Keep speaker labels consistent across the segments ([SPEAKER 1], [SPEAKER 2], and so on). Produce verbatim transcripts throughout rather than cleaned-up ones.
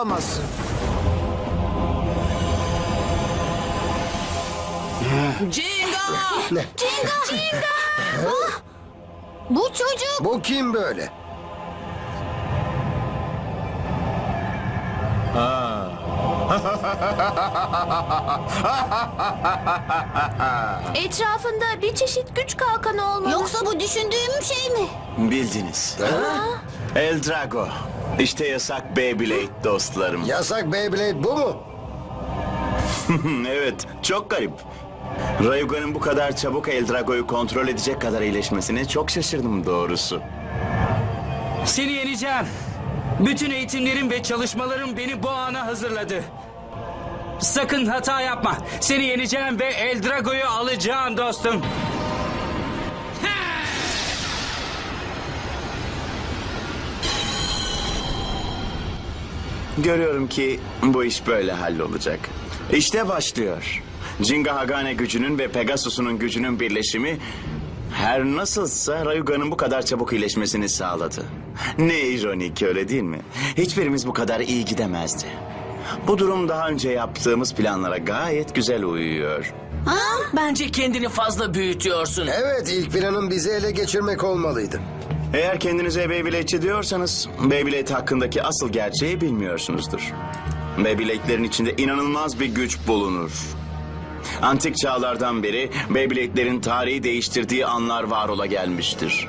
[SPEAKER 1] Olamazsın.
[SPEAKER 2] Jinga!
[SPEAKER 3] Ne?
[SPEAKER 4] Cinga! Cinga! Ah! Bu çocuk.
[SPEAKER 3] Bu kim böyle?
[SPEAKER 4] Etrafında bir çeşit güç kalkanı olmalı. Yoksa bu düşündüğüm şey mi?
[SPEAKER 5] Bildiniz. El Drago. İşte yasak Beyblade dostlarım.
[SPEAKER 3] Yasak Beyblade bu mu?
[SPEAKER 5] Evet, çok garip. Rayuga'nın bu kadar çabuk El Drago'yu kontrol edecek kadar iyileşmesine çok şaşırdım doğrusu.
[SPEAKER 6] Seni yeneceğim. Bütün eğitimlerim ve çalışmalarım beni bu ana hazırladı. Sakın hata yapma. Seni yeneceğim ve El Drago'yu alacağım dostum.
[SPEAKER 5] Görüyorum ki bu iş böyle hallolacak. İşte başlıyor. Jinga Hagane gücünün ve Pegasus'un gücünün birleşimi her nasılsa Rayuga'nın bu kadar çabuk iyileşmesini sağladı. Ne ironik, öyle değil mi? Hiçbirimiz bu kadar iyi gidemezdi. Bu durum daha önce yaptığımız planlara gayet güzel uyuyor.
[SPEAKER 2] Bence kendini fazla büyütüyorsun.
[SPEAKER 3] Evet, ilk planın bizi ele geçirmek olmalıydı.
[SPEAKER 5] Eğer kendinize Beyblade'çi diyorsanız Beyblade hakkındaki asıl gerçeği bilmiyorsunuzdur. Beyblade'lerin içinde inanılmaz bir güç bulunur. Antik çağlardan beri Beyblade'lerin tarihi değiştirdiği anlar var ola gelmiştir.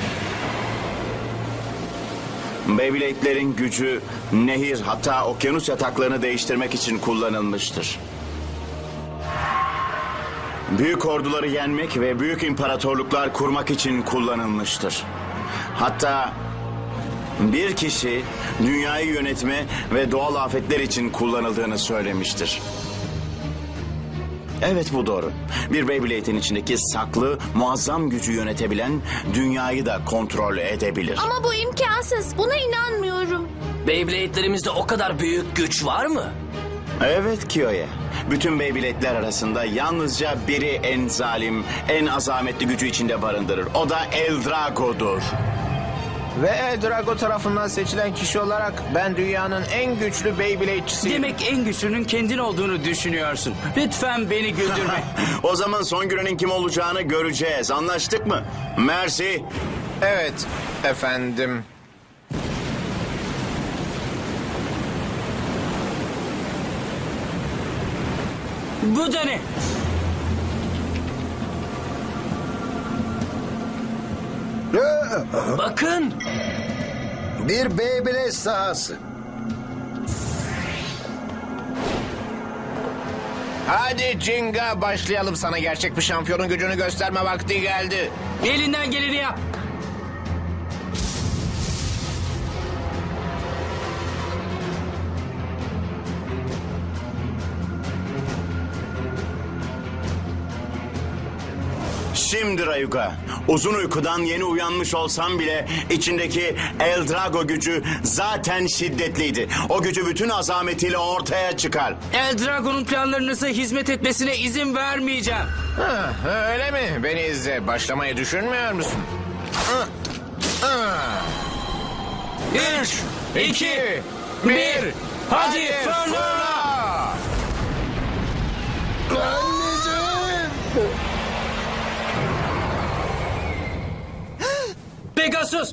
[SPEAKER 5] Beyblade'lerin gücü nehir, hatta okyanus yataklarını değiştirmek için kullanılmıştır. Büyük orduları yenmek ve büyük imparatorluklar kurmak için kullanılmıştır. Hatta bir kişi dünyayı yönetme ve doğal afetler için kullanıldığını söylemiştir. Evet, bu doğru. Bir Beyblade'in içindeki saklı, muazzam gücü yönetebilen dünyayı da kontrol edebilir.
[SPEAKER 4] Ama bu imkansız. Buna inanmıyorum.
[SPEAKER 2] Beyblade'lerimizde o kadar büyük güç var mı?
[SPEAKER 5] Evet Kiyo'ya. Bütün Beyblade'ler arasında yalnızca biri en zalim, en azametli gücü içinde barındırır. O da El Drago'dur.
[SPEAKER 1] Ve El Drago tarafından seçilen kişi olarak ben dünyanın en güçlü Beyblade'çisiyim.
[SPEAKER 6] Demek en güçlünün kendin olduğunu düşünüyorsun. Lütfen beni güldürme.
[SPEAKER 5] O zaman son gününün kim olacağını göreceğiz. Anlaştık mı? Mersi.
[SPEAKER 1] Evet efendim.
[SPEAKER 6] Bu da ne?
[SPEAKER 2] Bakın.
[SPEAKER 3] Bir Beyblade sahası.
[SPEAKER 1] Hadi Jinga, başlayalım, sana gerçek bir şampiyonun gücünü gösterme vakti geldi.
[SPEAKER 6] Elinden geleni yap.
[SPEAKER 5] Şimdi Rayuga, uzun uykudan yeni uyanmış olsam bile içindeki El Drago gücü zaten şiddetliydi. O gücü bütün azametiyle ortaya çıkar.
[SPEAKER 6] El Drago'nun planlarınıza hizmet etmesine izin vermeyeceğim.
[SPEAKER 1] Ha, öyle mi? Beni izle. Başlamayı düşünmüyor musun? Ah, ah.
[SPEAKER 6] Üç, iki, bir. Hadi fırla!
[SPEAKER 3] Anneciğim!
[SPEAKER 6] Pegasus!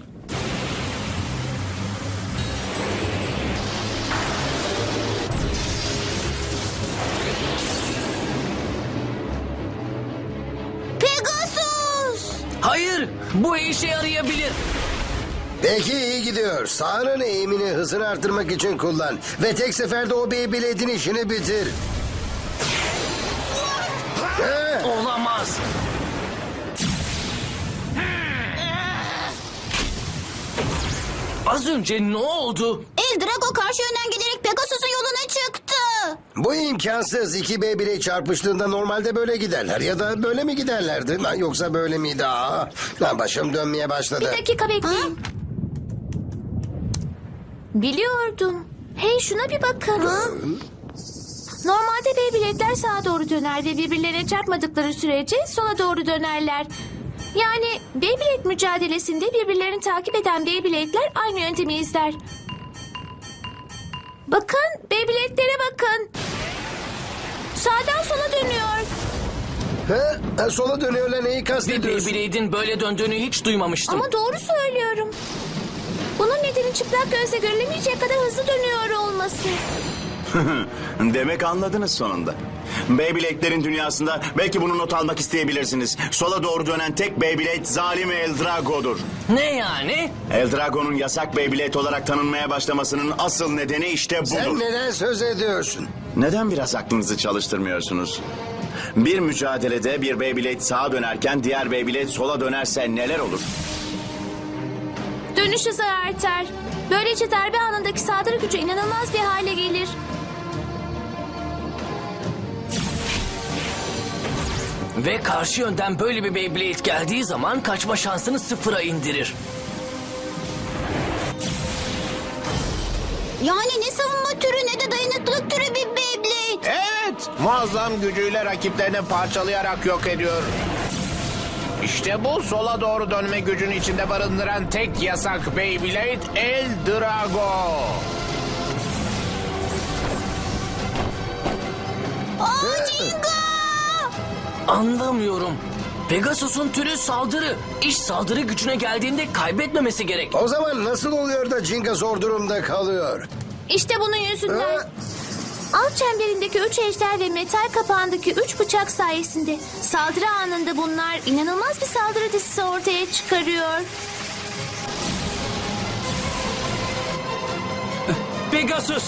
[SPEAKER 4] Pegasus!
[SPEAKER 2] Hayır, bu işe yarayabilir.
[SPEAKER 3] Peki, iyi gidiyor. Sahanın eğimini, hızını artırmak için kullan. Ve tek seferde o Beyblade'in işini bitir. Ha?
[SPEAKER 2] Olamaz. Az önce ne oldu?
[SPEAKER 4] El Drago karşı yönden gelerek Pegasus'un yoluna çıktı.
[SPEAKER 3] Bu imkansız. İki Beyblade çarpıştığında normalde böyle giderler. Ya da böyle mi giderlerdi? Lan yoksa böyle miydi? Aa, lan başım dönmeye başladı.
[SPEAKER 4] Bir dakika bekleyin. Biliyordum. Hey, şuna bir bakın. Normalde Beyblade'ler sağa doğru döner ve birbirlerine çarpmadıkları sürece sola doğru dönerler. Yani Beyblade mücadelesinde birbirlerini takip eden Beyblade'ler aynı yöntemi izler. Bakın, Beyblade'lere bakın. Sağdan sola dönüyor.
[SPEAKER 3] Ha? Sola dönüyorlar neyi
[SPEAKER 2] Bir
[SPEAKER 3] kastediyorsun?
[SPEAKER 2] Beyblade'in böyle döndüğünü hiç duymamıştım.
[SPEAKER 4] Ama doğru söylüyorum. Bunun nedeni çıplak gözle görülemeyecek kadar hızlı dönüyor olması.
[SPEAKER 5] Demek anladınız sonunda. Beyblade'lerin dünyasında belki bunu not almak isteyebilirsiniz. Sola doğru dönen tek Beyblade zalim Eldrago'dur.
[SPEAKER 2] Ne yani?
[SPEAKER 5] Eldrago'nun yasak Beyblade olarak tanınmaya başlamasının asıl nedeni işte budur.
[SPEAKER 3] Sen neden söz ediyorsun?
[SPEAKER 5] Neden biraz aklınızı çalıştırmıyorsunuz? Bir mücadelede bir Beyblade sağa dönerken diğer Beyblade sola dönerse neler olur?
[SPEAKER 4] Dönüş hızı artar. Böylece darbe anındaki saldırı gücü inanılmaz bir hale gelir.
[SPEAKER 2] Ve karşı yönden böyle bir Beyblade geldiği zaman kaçma şansını sıfıra indirir.
[SPEAKER 7] Yani ne savunma türü ne de dayanıklılık türü bir Beyblade.
[SPEAKER 1] Evet, muazzam gücüyle rakiplerini parçalayarak yok ediyor. İşte bu sola doğru dönme gücünü içinde barındıran tek yasak Beyblade Eldrago.
[SPEAKER 7] Aa Jinga!
[SPEAKER 2] Anlamıyorum. Pegasus'un türü saldırı. İş saldırı gücüne geldiğinde kaybetmemesi gerek.
[SPEAKER 3] O zaman nasıl oluyor da Jinga zor durumda kalıyor?
[SPEAKER 4] İşte bunun yüzünden.
[SPEAKER 3] Ha?
[SPEAKER 4] Alt çemberindeki üç ejder ve metal kapağındaki üç bıçak sayesinde saldırı anında bunlar inanılmaz bir saldırı dizisi ortaya çıkarıyor.
[SPEAKER 6] Pegasus!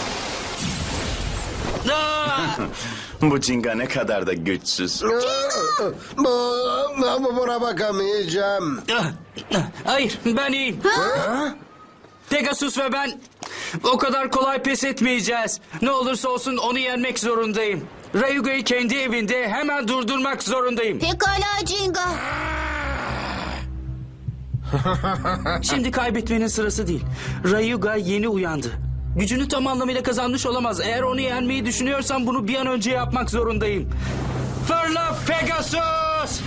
[SPEAKER 6] Aa!
[SPEAKER 5] Bu Jinga ne kadar da güçsüz.
[SPEAKER 3] Bu, bu buna bakamayacağım.
[SPEAKER 6] Hayır, ben iyiyim. Pegasus ve ben o kadar kolay pes etmeyeceğiz. Ne olursa olsun onu yenmek zorundayım. Rayuga'yı kendi evinde hemen durdurmak zorundayım.
[SPEAKER 7] Pekala Jinga.
[SPEAKER 6] Şimdi kaybetmenin sırası değil. Rayuga yeni uyandı. Gücünü tam anlamıyla kazanmış olamaz. Eğer onu yenmeyi düşünüyorsam bunu bir an önce yapmak zorundayım. Fırla Pegasus!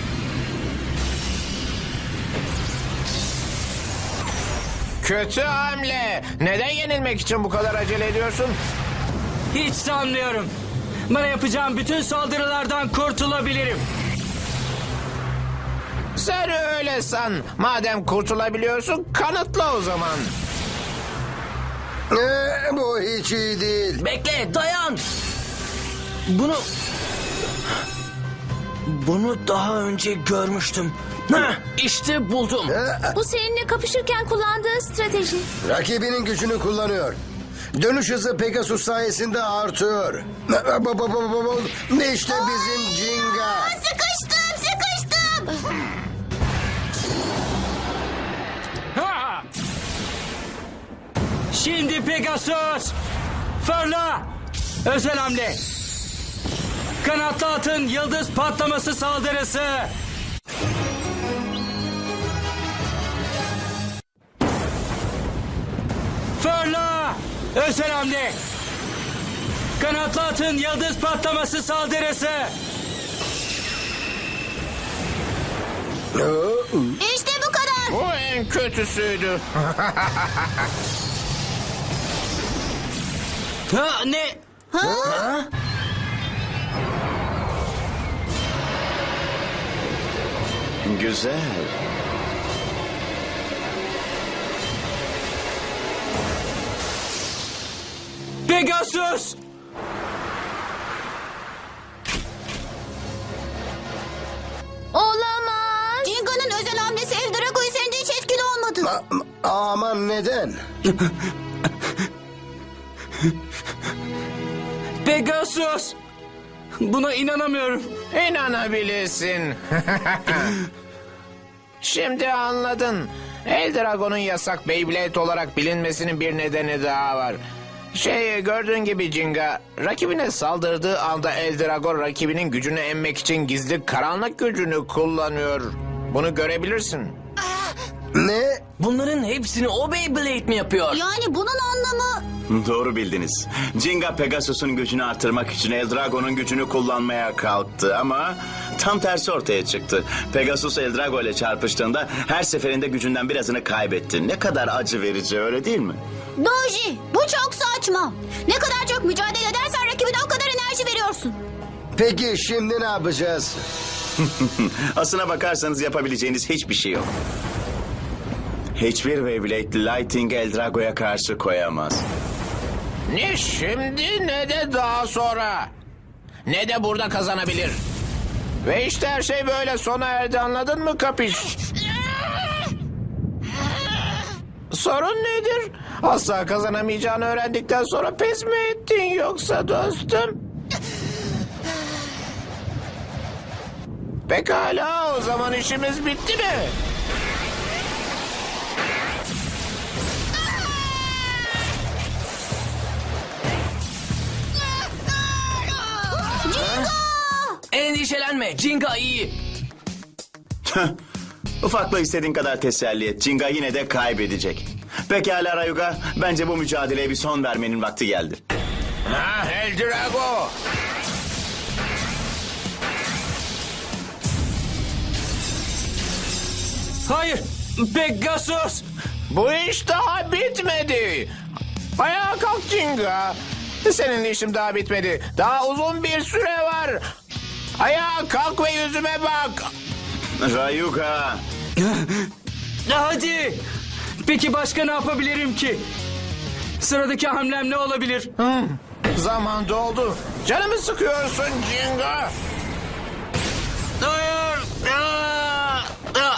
[SPEAKER 1] Kötü hamle. Neden yenilmek için bu kadar acele ediyorsun?
[SPEAKER 6] Hiç sanmıyorum. Bana yapacağım bütün saldırılardan kurtulabilirim.
[SPEAKER 1] Sen öyle san. Madem kurtulabiliyorsun kanıtla o zaman.
[SPEAKER 3] Ee, bu hiç iyi değil.
[SPEAKER 2] Bekle, dayan. Bunu... Bunu daha önce görmüştüm. Heh, işte buldum.
[SPEAKER 4] Bu seninle kapışırken kullandığı strateji.
[SPEAKER 3] Rakibinin gücünü kullanıyor. Dönüş hızı Pegasus sayesinde artıyor. İşte bizim Jinga.
[SPEAKER 7] Sıkıştım sıkıştım.
[SPEAKER 6] Ha! Şimdi Pegasus! Fırla! Özel hamle! Kanatlı atın yıldız patlaması saldırısı! Fırla! Özel hamle! Kanatlı atın yıldız patlaması saldırısı!
[SPEAKER 7] İşte bu kadar.
[SPEAKER 1] Bu en kötüsüydü.
[SPEAKER 6] Ha, ne?
[SPEAKER 7] Ha?
[SPEAKER 5] Güzel.
[SPEAKER 6] Pegasus!
[SPEAKER 4] Olamaz.
[SPEAKER 7] Jinga'nın özel hamlesi Eldrago üzerinde hiç etkili olmadı.
[SPEAKER 3] A- aman neden?
[SPEAKER 6] Pegasus! Buna inanamıyorum.
[SPEAKER 1] İnanabilirsin. Şimdi anladın. Eldrago'nun yasak Beyblade olarak bilinmesinin bir nedeni daha var. Şey gördüğün gibi Jinga, rakibine saldırdığı anda Eldrago rakibinin gücünü emmek için gizli karanlık gücünü kullanıyor. Bunu görebilirsin.
[SPEAKER 3] Ne?
[SPEAKER 2] Bunların hepsini o Beyblade mi yapıyor?
[SPEAKER 7] Yani bunun anlamı...
[SPEAKER 5] Doğru bildiniz. Jinga Pegasus'un gücünü artırmak için Eldrago'nun gücünü kullanmaya kalktı ama tam tersi ortaya çıktı. Pegasus Eldrago ile çarpıştığında her seferinde gücünden birazını kaybetti. Ne kadar acı verici, öyle değil mi?
[SPEAKER 7] Doji, bu çok saçma. Ne kadar çok mücadele edersen rakibine o kadar enerji veriyorsun.
[SPEAKER 3] Peki şimdi ne yapacağız?
[SPEAKER 5] Aslına bakarsanız yapabileceğiniz hiçbir şey yok. Hiçbir Beyblade Lighting Eldrago'ya karşı koyamaz.
[SPEAKER 1] Ne şimdi ne de daha sonra. Ne de burada kazanabilir. Ve işte her şey böyle sona erdi, anladın mı Kapiş? Sorun nedir? Asla kazanamayacağını öğrendikten sonra pes mi ettin yoksa dostum? Pekala, o zaman işimiz bitti mi?
[SPEAKER 2] Endişelenme, Jinga iyi.
[SPEAKER 5] Ufakla istediğin kadar teselli et. Jinga yine de kaybedecek. Pekala Rayuga, bence bu mücadeleye bir son vermenin vakti geldi.
[SPEAKER 1] Ha, Eldrago!
[SPEAKER 6] Hayır, Pegasus.
[SPEAKER 1] Bu iş daha bitmedi. Ayağa kalk Jinga. Seninle işim daha bitmedi. Daha uzun bir süre var. Ayağa kalk ve yüzüme bak.
[SPEAKER 5] Rayuga,
[SPEAKER 6] Hadi. Peki başka ne yapabilirim ki? Sıradaki hamlem ne olabilir?
[SPEAKER 1] Hmm, zaman doldu. Canımı sıkıyorsun Jinga.
[SPEAKER 6] Hayır. Aa! Aa!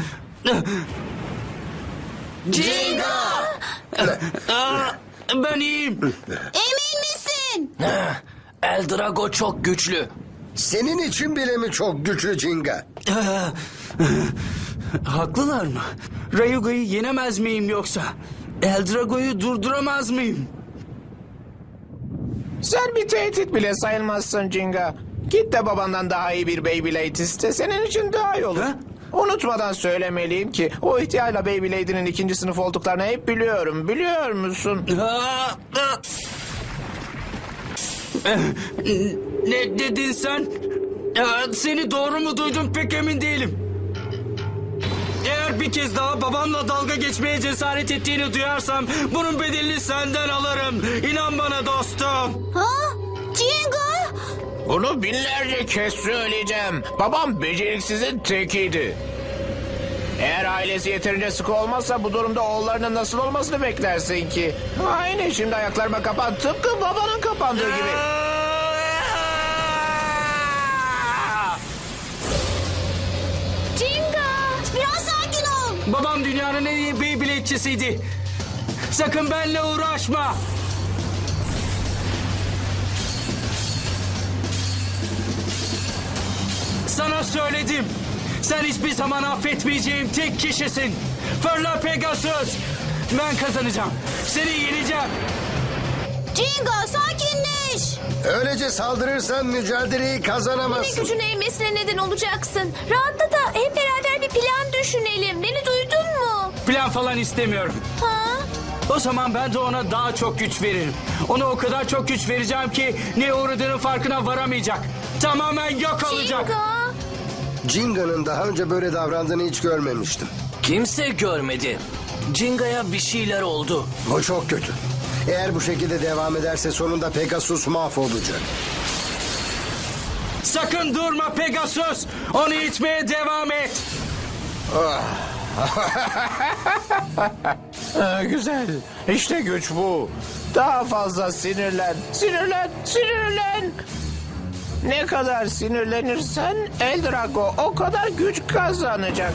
[SPEAKER 2] Jinga!
[SPEAKER 6] Aa! Ben iyiyim.
[SPEAKER 7] Emin misin?
[SPEAKER 2] Eldrago çok güçlü.
[SPEAKER 3] Senin için bile mi çok güçlü Jinga?
[SPEAKER 6] Haklılar mı? Rayuga'yı yenemez miyim yoksa? Eldrago'yu durduramaz mıyım?
[SPEAKER 1] Sen bir tehdit bile sayılmazsın Jinga. Git de babandan daha iyi bir Beyblade iste. Senin için daha iyi olur.
[SPEAKER 6] Ha?
[SPEAKER 1] Unutmadan söylemeliyim ki o ihtiyarla Beyblade'inin ikinci sınıf olduklarını hep biliyorum. Biliyor musun?
[SPEAKER 6] Aa! Aa! Eh, Ne dedin sen? Aa, Seni doğru mu duydum pek emin değilim. Eğer bir kez daha babamla dalga geçmeye cesaret ettiğini duyarsam bunun bedelini senden alırım. İnan bana dostum.
[SPEAKER 7] Ha? Jinga?
[SPEAKER 1] Bunu binlerce kez söyleyeceğim. Babam beceriksizin tekiydi. Eğer ailesi yeterince sıkı olmazsa bu durumda oğullarının nasıl olmasını beklersin ki? Aynı, şimdi ayaklarıma kapan, tıpkı babanın kapandığı gibi.
[SPEAKER 7] Jinga! Biraz sakin ol.
[SPEAKER 6] Babam dünyanın en iyi Beyblade'çisiydi. Sakın benimle uğraşma. Sana söyledim. Sen hiçbir zaman affetmeyeceğim tek kişisin. Fırla Pegasus. Ben kazanacağım. Seni yeneceğim.
[SPEAKER 7] Jinga sakinleş.
[SPEAKER 3] Öylece saldırırsan mücadeleyi
[SPEAKER 4] Yine
[SPEAKER 3] kazanamazsın.
[SPEAKER 4] gücün eğmesine neden olacaksın. Rahatla da hep beraber bir plan düşünelim. Beni duydun mu?
[SPEAKER 6] Plan falan istemiyorum.
[SPEAKER 4] Ha?
[SPEAKER 6] O zaman ben de ona daha çok güç veririm. Ona o kadar çok güç vereceğim ki ne uğradığının farkına varamayacak. Tamamen yok olacak.
[SPEAKER 4] Jinga!
[SPEAKER 3] Jinga'nın daha önce böyle davrandığını hiç görmemiştim.
[SPEAKER 2] Kimse görmedi. Jinga'ya bir şeyler oldu.
[SPEAKER 3] Bu çok kötü. Eğer bu şekilde devam ederse sonunda Pegasus mahvolacak.
[SPEAKER 6] Sakın durma Pegasus. Onu itmeye devam et.
[SPEAKER 1] Ha, güzel. İşte güç bu. Daha fazla sinirlen. Sinirlen, sinirlen. Ne kadar sinirlenirsen Eldrago o kadar güç kazanacak.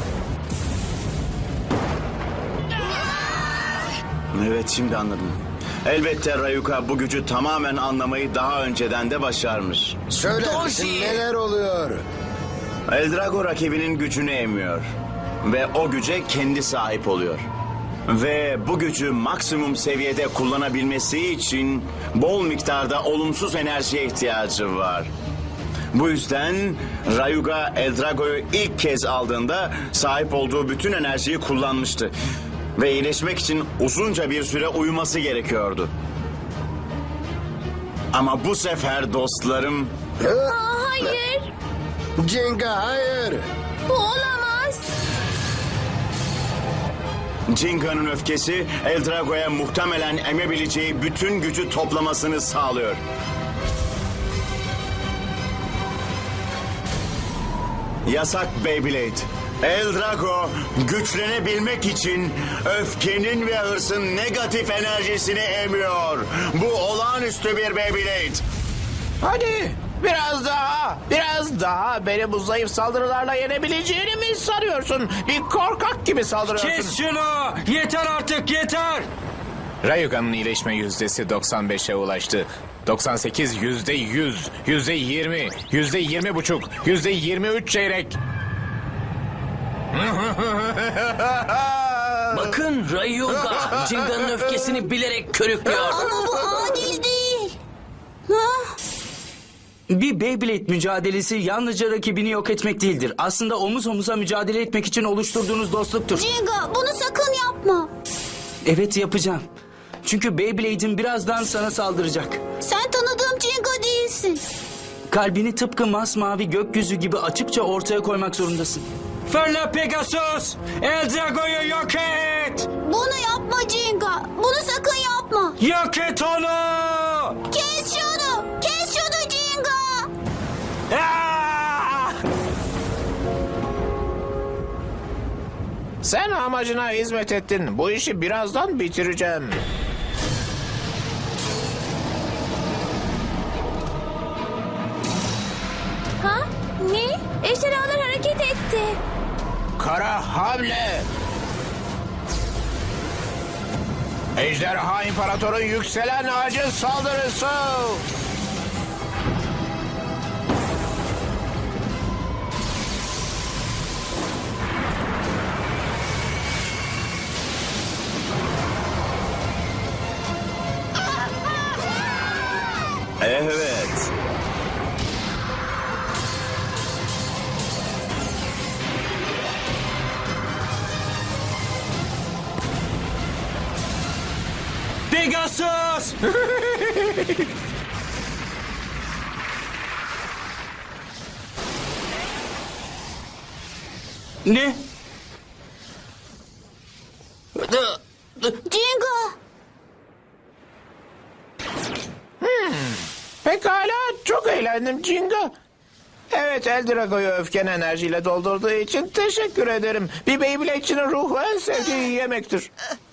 [SPEAKER 5] evet şimdi anladım. Elbette Rayuga bu gücü tamamen anlamayı daha önceden de başarmış.
[SPEAKER 3] Söyler misin
[SPEAKER 2] Doji!
[SPEAKER 3] neler oluyor?
[SPEAKER 5] Eldrago rakibinin gücünü emiyor. Ve o güce kendi sahip oluyor. Ve bu gücü maksimum seviyede kullanabilmesi için bol miktarda olumsuz enerjiye ihtiyacı var. Bu yüzden Rayuga Eldrago'yu ilk kez aldığında sahip olduğu bütün enerjiyi kullanmıştı. Ve iyileşmek için uzunca bir süre uyuması gerekiyordu. Ama bu sefer dostlarım...
[SPEAKER 4] Aa, hayır.
[SPEAKER 3] Jenga hayır.
[SPEAKER 4] Bu olamaz.
[SPEAKER 5] Jinga'nın öfkesi Eldrago'ya muhtemelen emebileceği bütün gücü toplamasını sağlıyor. Yasak Beyblade. Eldrago güçlenebilmek için öfkenin ve hırsın negatif enerjisini emiyor. Bu olağanüstü bir Beyblade.
[SPEAKER 1] Hadi biraz daha, biraz daha. Beni bu zayıf saldırılarla yenebileceğini mi sanıyorsun? Bir korkak gibi saldırıyorsun.
[SPEAKER 6] Kes şunu! Yeter artık yeter!
[SPEAKER 1] Rayuga'nın iyileşme yüzdesi doksan beşe ulaştı. doksan sekiz yüzde yüz, yüzde yirmi, yüzde yirmi buçuk, yüzde yirmi üç çeyrek.
[SPEAKER 2] Bakın Rayuga Jinga'nın öfkesini bilerek körüklüyor.
[SPEAKER 7] Ama bu adil değil. Ha?
[SPEAKER 6] Bir Beyblade mücadelesi yalnızca rakibini yok etmek değildir. Aslında omuz omuza mücadele etmek için oluşturduğunuz dostluktur.
[SPEAKER 7] Jinga bunu sakın yapma.
[SPEAKER 6] Evet yapacağım. Çünkü Beyblade'in birazdan sana saldıracak.
[SPEAKER 7] Sen tanıdığım Jinga değilsin.
[SPEAKER 6] Kalbini tıpkı masmavi gökyüzü gibi açıkça ortaya koymak zorundasın. Fırla Pegasus! Eldrago'yu yok et!
[SPEAKER 7] Bunu yapma Jinga. Bunu sakın yapma.
[SPEAKER 6] Yok et onu!
[SPEAKER 7] Kes şunu. Kes şunu Jinga.
[SPEAKER 6] Ah!
[SPEAKER 1] Sen amacına hizmet ettin. Bu işi birazdan bitireceğim.
[SPEAKER 4] Ha? Ne? Ejderhalar hareket etti.
[SPEAKER 1] Kara hamle. Ejderha İmparator'un yükselen ağacı saldırısı.
[SPEAKER 5] Evet.
[SPEAKER 6] Pegasus! Ne?
[SPEAKER 7] Jinga.
[SPEAKER 1] Pekala, çok eğlendim Jinga. Evet, Eldrago'yu öfken enerjiyle doldurduğu için teşekkür ederim. Bir Beyblade'çinin ruhu en sevdiği yemektir.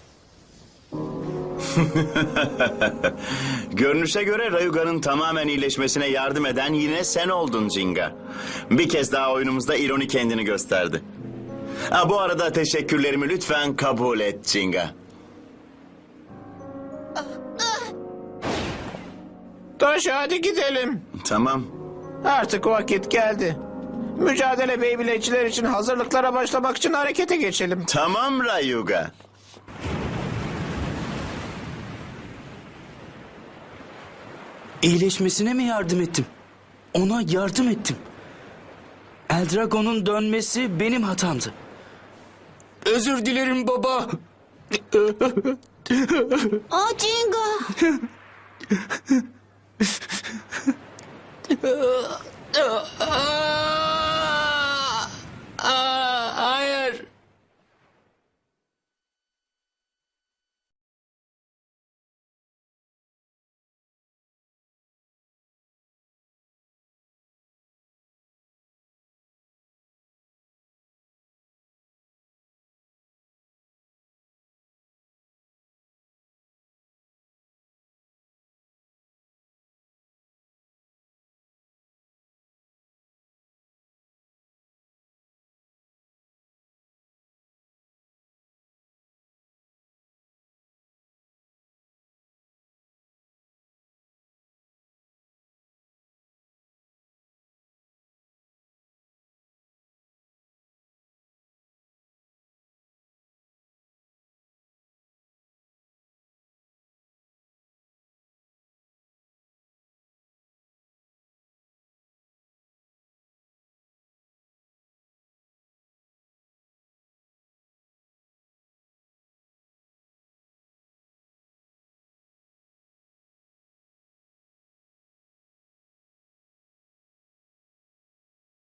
[SPEAKER 5] Görünüşe göre Rayuga'nın tamamen iyileşmesine yardım eden yine sen oldun Jinga. Bir kez daha oyunumuzda ironi kendini gösterdi. Ha, bu arada teşekkürlerimi lütfen kabul et Jinga.
[SPEAKER 1] Taş, hadi gidelim.
[SPEAKER 5] Tamam.
[SPEAKER 1] Artık vakit geldi. Mücadele Beyblade'çiler için hazırlıklara başlamak için harekete geçelim.
[SPEAKER 5] Tamam Rayuga.
[SPEAKER 6] İyileşmesine mi yardım ettim? Ona yardım ettim. Eldrago'nun dönmesi benim hatamdı. Özür dilerim baba.
[SPEAKER 7] Aa Jinga.